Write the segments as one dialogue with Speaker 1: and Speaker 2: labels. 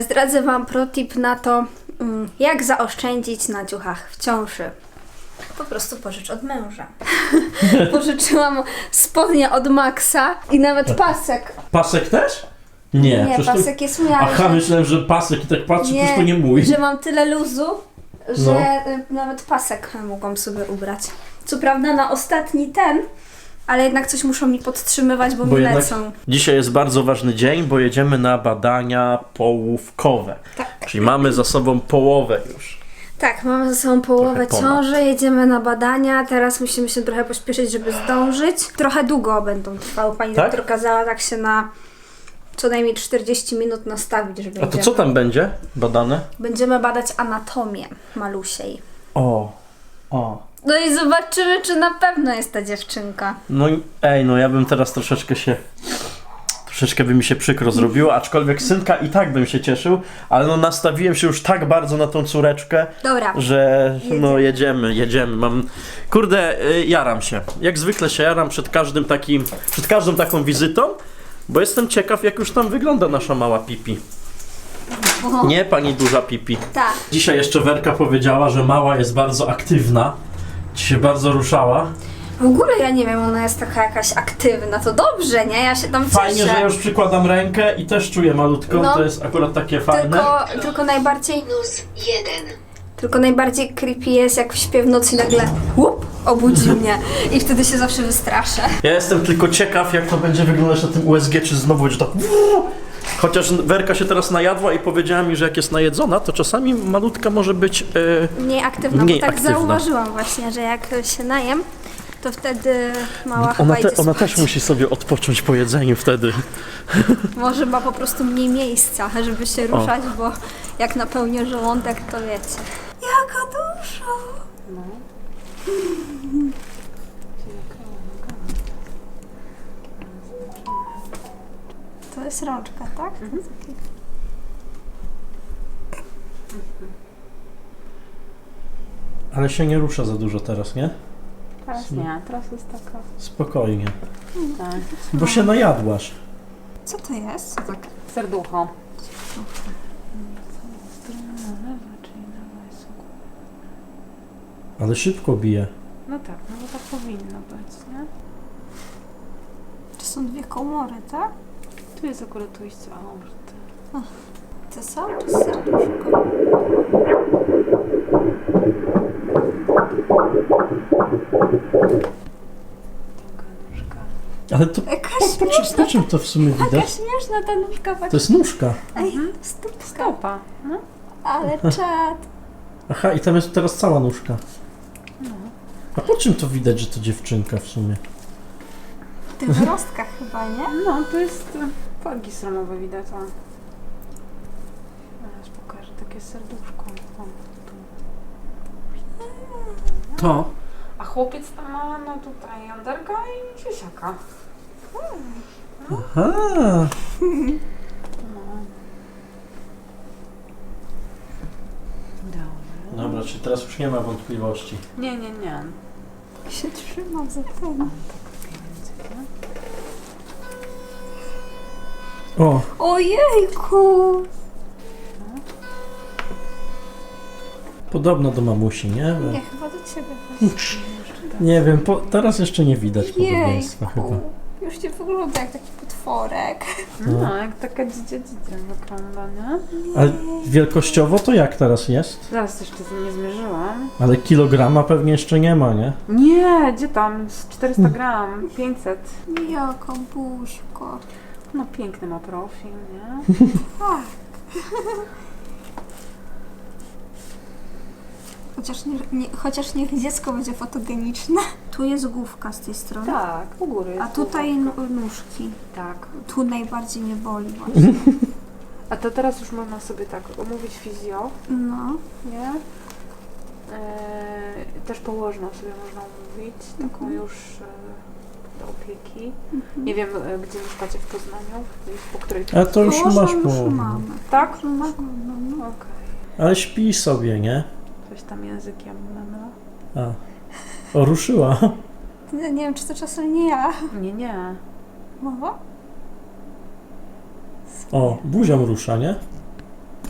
Speaker 1: Zdradzę Wam protip na to, jak zaoszczędzić na ciuchach w ciąży. Po prostu pożycz od męża. Pożyczyłam spodnie od Maxa i nawet pasek.
Speaker 2: Pasek też? Nie,
Speaker 1: Nie, pasek
Speaker 2: to...
Speaker 1: jest mój,
Speaker 2: Aha, myślałem, że pasek i tak patrzę,
Speaker 1: nie,
Speaker 2: to nie mój.
Speaker 1: że mam tyle luzu, że nawet pasek mogłam sobie ubrać. Co prawda na ostatni ten, ale jednak coś muszą mi podtrzymywać, bo mi lecą.
Speaker 2: Dzisiaj jest bardzo ważny dzień, bo jedziemy na badania połówkowe.
Speaker 1: Tak.
Speaker 2: Czyli mamy za sobą połowę już.
Speaker 1: Tak, mamy ze sobą połowę ciąży, jedziemy na badania, teraz musimy się trochę pośpieszyć, żeby zdążyć. Trochę długo będą trwały, pani doktor kazała tak się na co najmniej 40 minut nastawić, żeby...
Speaker 2: A to co tam będzie badane?
Speaker 1: Będziemy badać anatomię malusiej.
Speaker 2: O.
Speaker 1: No i zobaczymy, czy na pewno jest ta dziewczynka.
Speaker 2: No ja bym teraz troszeczkę by mi się przykro zrobiło, aczkolwiek synka i tak bym się cieszył, ale nastawiłem się już tak bardzo na tą córeczkę,
Speaker 1: Dobra,
Speaker 2: że jedziemy. Jaram się. Jak zwykle się jaram przed każdą taką wizytą, bo jestem ciekaw, jak już tam wygląda nasza mała Pipi. Nie, pani duża Pipi.
Speaker 1: tak.
Speaker 2: Dzisiaj jeszcze Werka powiedziała, że mała jest bardzo aktywna. Dzisiaj bardzo ruszała.
Speaker 1: W ogóle ja nie wiem, ona jest taka jakaś aktywna, to dobrze, nie? Ja się tam cieszę.
Speaker 2: Fajnie, że ja już przykładam rękę i też czuję malutką,
Speaker 1: No.
Speaker 2: to jest akurat takie fajne.
Speaker 1: Tylko najbardziej...
Speaker 3: -1.
Speaker 1: Tylko najbardziej creepy jest, jak śpię w nocy i nagle obudzi mnie. I wtedy się zawsze wystraszę.
Speaker 2: Ja jestem tylko ciekaw, jak to będzie wyglądać na tym USG, czy znowu będzie tak... Chociaż Werka się teraz najadła i powiedziała mi, że jak jest najedzona, to czasami malutka może być...
Speaker 1: Mniej aktywna,
Speaker 2: mniej
Speaker 1: bo tak
Speaker 2: aktywna.
Speaker 1: zauważyłam właśnie, że jak się najem, to wtedy mała chyba idzie
Speaker 2: Ona
Speaker 1: spać.
Speaker 2: też musi sobie odpocząć po jedzeniu wtedy.
Speaker 1: Może ma po prostu mniej miejsca, żeby się ruszać, bo jak napełnię żołądek, to wiecie. Jaka duża! No. To jest rączka, tak?
Speaker 2: Ale się nie rusza za dużo teraz, nie?
Speaker 4: Teraz nie, teraz jest taka...
Speaker 2: Spokojnie.
Speaker 4: Tak.
Speaker 2: Bo się najadłaś.
Speaker 1: Co to jest? Co tak?
Speaker 4: Serducho.
Speaker 2: Ale szybko bije.
Speaker 4: No tak, no bo tak powinno być, nie?
Speaker 1: To są dwie komory, tak?
Speaker 4: Tu jest akurat ujście aorty.
Speaker 1: To są czy serduszko?
Speaker 4: Taka nóżka.
Speaker 2: Ale to po czym to w sumie
Speaker 1: Jaka
Speaker 2: widać?
Speaker 1: śmieszna ta nóżka.
Speaker 2: To jest nóżka.
Speaker 1: Ej, stópka.
Speaker 4: Stopa. No.
Speaker 1: Ale czad.
Speaker 2: Aha, i tam jest teraz cała nóżka. A po czym to widać, że to dziewczynka w sumie?
Speaker 1: W tych wyrostkach chyba, nie?
Speaker 4: No, to jest folgi sromowe widać, o. Aż pokażę takie serduszko. O, tu.
Speaker 2: To?
Speaker 4: A chłopiec tam ma, no tutaj jąderka i siusiaka.
Speaker 2: Aha.
Speaker 4: No. Dobra.
Speaker 2: Dobra, czyli teraz już nie ma wątpliwości.
Speaker 4: Nie.
Speaker 1: Się trzyma za ten.
Speaker 2: O,
Speaker 1: Ojejku!
Speaker 2: podobno do mamusi, nie?
Speaker 1: Nie, chyba do ciebie.
Speaker 2: Nie wiem, teraz jeszcze nie widać podobieństwa chyba.
Speaker 1: Jejku! Już nie wygląda jak taki potworek.
Speaker 4: No, jak taka dzidzia wygląda, nie?
Speaker 2: Ale wielkościowo to jak teraz jest?
Speaker 4: Zaraz jeszcze nie zmierzyłam.
Speaker 2: Ale kilograma pewnie jeszcze nie ma, nie?
Speaker 4: Nie, gdzie tam? Z 400 gram, 500.
Speaker 1: Jaka buźko.
Speaker 4: No piękny ma profil, nie?
Speaker 1: Tak. Chociaż niech dziecko będzie fotogeniczne. Tu jest główka z tej strony.
Speaker 4: Tak, u góry.
Speaker 1: A
Speaker 4: jest
Speaker 1: tutaj
Speaker 4: główka.
Speaker 1: nóżki.
Speaker 4: Tak.
Speaker 1: Tu najbardziej mnie boli właśnie.
Speaker 4: A to teraz już można sobie tak omówić fizjo,
Speaker 1: No.
Speaker 4: nie? Też położną sobie można omówić, taką już do opieki. Nie wiem, gdzie mieszkacie w Poznaniu, po której...
Speaker 2: A to już
Speaker 1: Położną
Speaker 2: masz
Speaker 1: już
Speaker 2: połowę.
Speaker 4: Tak?
Speaker 1: mamy. Mamy, no.
Speaker 4: Okej.
Speaker 2: Ale śpi sobie, nie?
Speaker 4: Coś tam językiem, no.
Speaker 2: A. O, ruszyła.
Speaker 1: Nie wiem, czy to czasem nie ja.
Speaker 4: Nie.
Speaker 1: Mowa?
Speaker 2: O, buzią rusza, nie?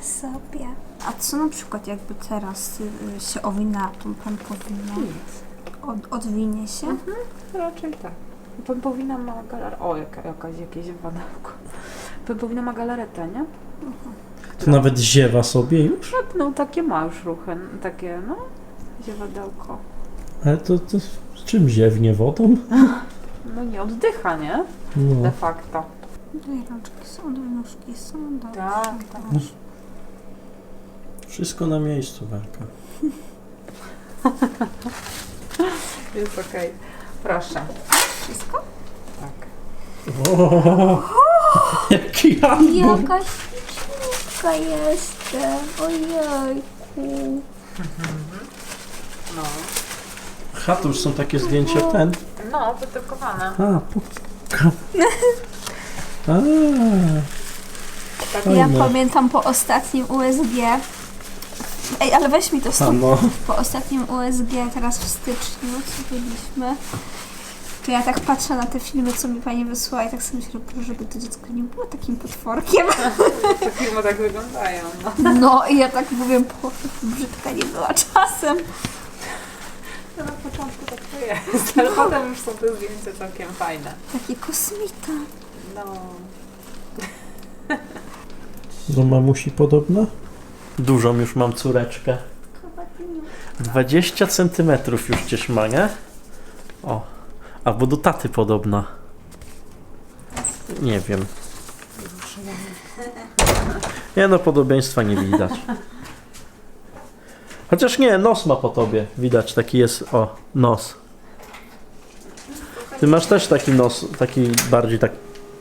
Speaker 1: sobie. A co na przykład jakby teraz się owina tą pępowiną? Odwinie się?
Speaker 4: Raczej tak. Pępowina ma galaretę. O, jakieś wadełko. Pępowina ma galaretę, nie?
Speaker 2: To nawet ziewa sobie już?
Speaker 4: No takie ma już ruchy, takie no, ziewadełko.
Speaker 2: Ale to z czym ziewnie? Wodą?
Speaker 4: No nie oddycha, nie?
Speaker 2: No.
Speaker 4: De facto.
Speaker 1: Dwie rączki są, dwie nóżki są. Dobrze.
Speaker 4: Tak.
Speaker 2: Wszystko na miejscu, Werka.
Speaker 4: Jest okej. Proszę.
Speaker 1: Wszystko?
Speaker 4: Tak.
Speaker 2: O, jaki album!
Speaker 1: Jaka śliczniutka jestem. Ojejku.
Speaker 4: No.
Speaker 2: Aha, to już są takie zdjęcia ten.
Speaker 4: No, wydrukowane.
Speaker 2: A,
Speaker 4: Tak,
Speaker 1: Ja
Speaker 2: Fajne.
Speaker 1: pamiętam po ostatnim USG. Ej, ale weź mi to
Speaker 2: a
Speaker 1: stąd.
Speaker 2: no.
Speaker 1: Po ostatnim USG, teraz w styczniu, co byliśmy, to ja tak patrzę na te filmy, co mi pani wysłała i tak sobie myślę, żeby to dziecko nie było takim potworkiem.
Speaker 4: te filmy tak wyglądają. No.
Speaker 1: No i ja tak mówię, brzydka nie była czasem.
Speaker 4: No, na początku tak to jest, ale potem już są te zdjęcia całkiem fajne.
Speaker 1: Taki kosmita.
Speaker 4: No.
Speaker 2: Do mamusi podobna? Dużą już mam córeczkę. 20 centymetrów już gdzieś ma, nie? O, albo do taty podobna. Nie wiem. Nie no, podobieństwa nie widać. Chociaż nie, nos ma po tobie. Widać, taki jest, o, nos. Ty masz też taki nos, taki bardziej tak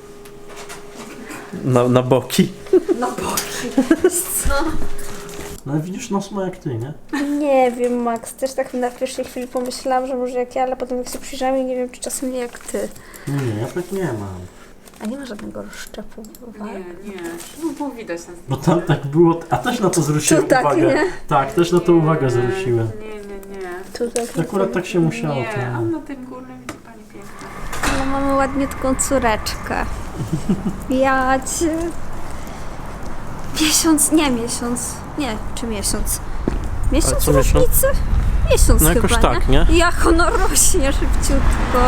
Speaker 2: na boki.
Speaker 1: Na boki. Co?
Speaker 2: No widzisz, nos ma jak ty, nie?
Speaker 1: Nie wiem, Max, też tak na pierwszej chwili pomyślałam, że może jak ja, ale potem jak się przyjrzałam i nie wiem, czy czasem nie jak ty.
Speaker 2: Nie, ja tak nie mam.
Speaker 1: A nie ma żadnego rozszczepu.
Speaker 4: Nie. No było widać na
Speaker 2: Bo tam tak było, a też na to zwróciłem
Speaker 1: To tak,
Speaker 2: uwagę.
Speaker 1: nie?
Speaker 2: Tak, też na to uwagę zwróciłem.
Speaker 4: Nie.
Speaker 1: Tutaj.
Speaker 2: Akurat tak się musiało.
Speaker 4: Nie,
Speaker 2: to-
Speaker 4: a na tym górnym widzi pani piękna.
Speaker 1: No, mamy ładniutką córeczkę. Ja cię... Miesiąc. Nie, czy miesiąc?
Speaker 2: Ale
Speaker 1: Miesiąc
Speaker 2: co miesiąc?
Speaker 1: różnicy? Miesiąc
Speaker 2: No
Speaker 1: chyba,
Speaker 2: jakoś
Speaker 1: nie?
Speaker 2: tak, nie?
Speaker 1: Jak ono rośnie szybciutko.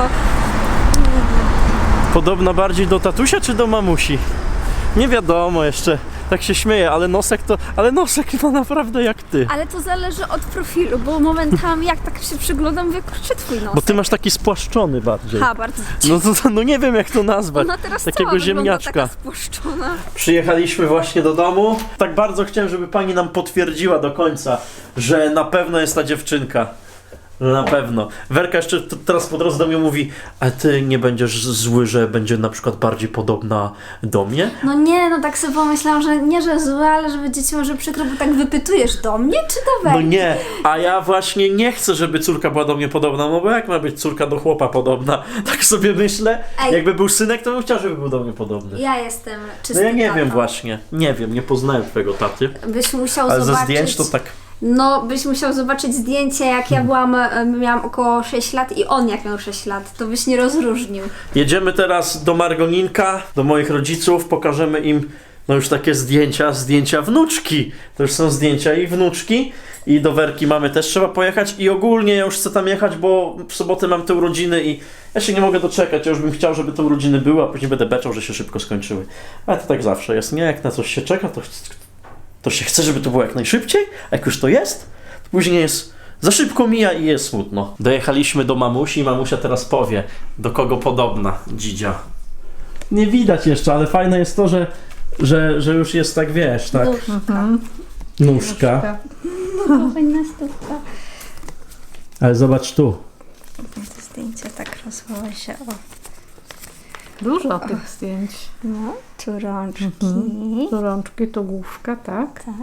Speaker 2: Podobna bardziej do tatusia czy do mamusi? Nie wiadomo jeszcze. Tak się śmieję, ale nosek ma naprawdę jak ty.
Speaker 1: Ale to zależy od profilu, bo momentami jak tak się przyglądam, mówię, kurczę, twój nos.
Speaker 2: Bo ty masz taki spłaszczony bardziej.
Speaker 1: Ha, bardzo.
Speaker 2: No nie wiem jak to nazwać.
Speaker 1: Ona teraz
Speaker 2: Takiego
Speaker 1: cała wygląda
Speaker 2: ziemniaczka.
Speaker 1: taka spłuszczona.
Speaker 2: Przyjechaliśmy właśnie do domu. Tak bardzo chciałem, żeby pani nam potwierdziła do końca, że na pewno jest ta dziewczynka. Że na pewno. Werka jeszcze teraz po drodze do mnie mówi, a ty nie będziesz zły, że będzie na przykład bardziej podobna do mnie?
Speaker 1: No nie, no tak sobie pomyślałam, że nie, że złe, ale że będzie ci może przykro, bo tak wypytujesz do mnie czy do
Speaker 2: No
Speaker 1: Werki?
Speaker 2: nie, a ja właśnie nie chcę, żeby córka była do mnie podobna, no bo jak ma być córka do chłopa podobna? Tak sobie myślę.
Speaker 1: Ej.
Speaker 2: Jakby był synek, to bym chciał, żeby był do mnie podobny.
Speaker 1: Ja jestem
Speaker 2: No
Speaker 1: czysty
Speaker 2: ja nie
Speaker 1: tata.
Speaker 2: wiem właśnie. Nie wiem, nie poznałem twojego taty.
Speaker 1: Byś musiał
Speaker 2: Ale ze
Speaker 1: zobaczyć...
Speaker 2: zdjęć to tak...
Speaker 1: No, byś musiał zobaczyć zdjęcie, jak ja miałam około 6 lat i on jak miał 6 lat, to byś nie rozróżnił.
Speaker 2: Jedziemy teraz do Margoninka, do moich rodziców, pokażemy im no już takie zdjęcia wnuczki. To już są zdjęcia ich wnuczki i do Werki mamy też trzeba pojechać i ogólnie ja już chcę tam jechać, bo w sobotę mam te urodziny i ja się nie mogę doczekać, ja już bym chciał, żeby te urodziny były, a później będę beczał, że się szybko skończyły. Ale to tak zawsze jest, nie? Jak na coś się czeka, to się chce, żeby to było jak najszybciej, a jak już to jest, to później jest za szybko mija i jest smutno. Dojechaliśmy do mamusi i mamusia teraz powie, do kogo podobna dzidzia. Nie widać jeszcze, ale fajne jest to, że już jest tak, wiesz, tak. Nóżka.
Speaker 1: No, fajna stówka.
Speaker 2: Ale zobacz tu.
Speaker 1: To zdjęcie tak rozwoła się, o.
Speaker 4: Dużo tych zdjęć.
Speaker 1: No, tu rączki.
Speaker 4: Tu rączki, tu główka, tak?
Speaker 1: Tak.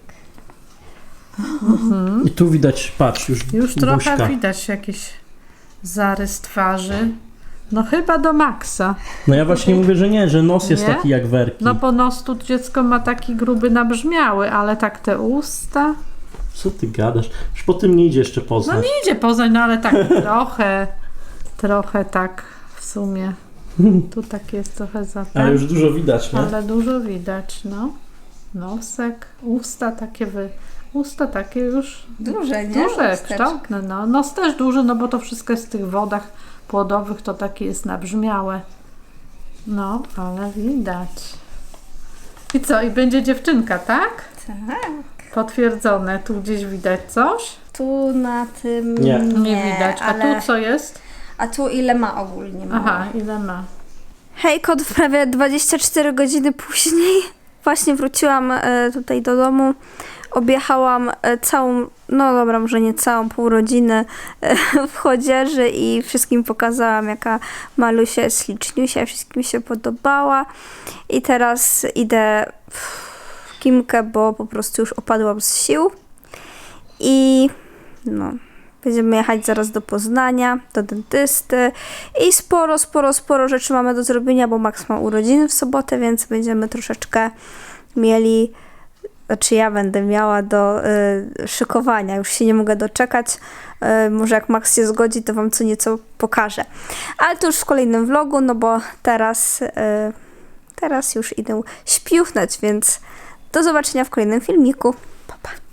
Speaker 2: I tu widać, patrz,
Speaker 4: Już trochę
Speaker 2: buźka.
Speaker 4: widać jakiś zarys twarzy. No chyba do maksa.
Speaker 2: No ja właśnie mówię, że nie, że nos jest
Speaker 4: Nie?
Speaker 2: taki jak Werki.
Speaker 4: No po nos tu dziecko ma taki gruby nabrzmiały, ale tak te usta...
Speaker 2: Co ty gadasz? Już po tym nie idzie jeszcze
Speaker 4: No
Speaker 2: poznać.
Speaker 4: nie idzie poza, no ale tak trochę tak w sumie. Tu tak jest trochę za
Speaker 2: Ale już dużo widać, nie?
Speaker 4: ale dużo widać, no.
Speaker 3: nosek, usta takie usta takie już
Speaker 1: Duże, nie?
Speaker 3: duże,
Speaker 1: Wstecz.
Speaker 3: kształtne, no. Nos też duży, no bo to wszystko jest w tych wodach płodowych, to takie jest nabrzmiałe. No, ale widać. I co? I będzie dziewczynka, tak?
Speaker 1: Tak.
Speaker 3: Potwierdzone. Tu gdzieś widać coś?
Speaker 1: Tu na tym
Speaker 2: Nie.
Speaker 3: Nie widać. A
Speaker 1: ale...
Speaker 3: tu co jest?
Speaker 1: A tu ile ma ogólnie?
Speaker 3: Aha, ile ma?
Speaker 1: Hej, kot, prawie 24 godziny później właśnie wróciłam tutaj do domu. Objechałam całą, no dobra, może nie całą, pół rodziny w Chodzieży i wszystkim pokazałam, jaka Malusia jest śliczniusia, wszystkim się podobała. I teraz idę w Kimkę, bo po prostu już opadłam z sił. I no, będziemy jechać zaraz do Poznania, do dentysty i sporo rzeczy mamy do zrobienia, bo Max ma urodziny w sobotę, więc będziemy troszeczkę mieli, znaczy ja będę miała do szykowania. Już się nie mogę doczekać. Może jak Max się zgodzi, to wam co nieco pokażę. Ale to już w kolejnym vlogu, no bo teraz już idę śpiuchnąć, więc do zobaczenia w kolejnym filmiku. Pa, pa.